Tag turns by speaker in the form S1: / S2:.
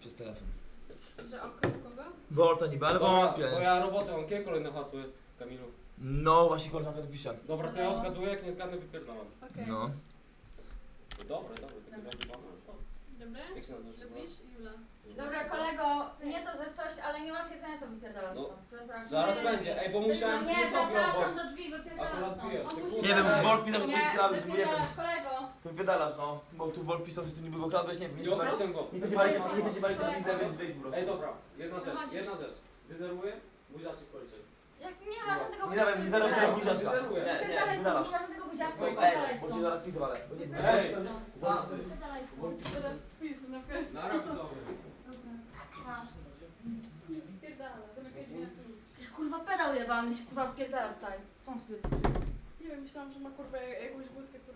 S1: przez telefon.
S2: Że okrył kogo?
S1: Volta niby, ale wątpię.
S3: Bo ja robotę mam. Jakie kolejne hasło jest, Kamilu?
S1: No właśnie koleżanka to pisze.
S3: Dobra, to ja odgaduję, jak nie zgadnę, wypierdalam.
S2: Okej.
S1: No.
S3: Dobre, takie nazywane.
S2: Dobre?
S3: Jak się nazywasz?
S2: Lubisz? Jula.
S4: Dobra kolego, nie to, że coś, ale nie masz jedzenia, to wypierdalasz
S3: No.
S4: stąd. Przepraszam.
S3: Zaraz będzie. Ej, bo musiałem...
S4: Nie,
S3: zrobił
S4: zapraszam
S3: obok.
S4: do drzwi, wypierdalasz
S3: Akurat
S4: stąd.
S3: piję.
S2: On musi-
S1: Nie wiem, Volt pisał, że ty
S4: Nie,
S1: kradłeś, bo nie wiem.
S4: wypierdalasz kolego.
S1: To wypierdalasz, no. Bo tu Volt pisał, że ty niby go kradłeś, nie wiem.
S3: Nie okradłem go.
S1: Nie będzie bali, nie będzie bali teraz widzę, więc wejdź po prostu.
S3: Ej, dobra, jedna rzecz. Wyzeruję, buziaczek policzę.
S4: Jak nie ma żadnego
S1: Nie dawaj, nie zaraz
S4: wypierdalaj
S1: buziaczka.
S3: Wyzeruję.
S1: Nie, nie,
S4: Wypierdalaj stąd,
S1: wyzalasz.
S4: nie ma żadnego buziaczka,
S3: Ej,
S4: wypierdalaj
S1: Ej, bo cię
S4: stąd.
S1: zaraz pitwalę.
S4: Wypierdalaj
S3: Ej.
S4: stąd.
S3: Włosy.
S4: Wypierdalaj stąd.
S2: Teraz wpis na pewno.
S3: Nara widzowie.
S4: Dobra. Pa.
S2: Spierdala, zamykaj drzwi na klucz.
S4: Jakiś kurwa pedał jebany się kurwa wpierdala tutaj. Co on stwierdził?
S2: Nie wiem, myślałam, że ma kurwa jakąś budkę,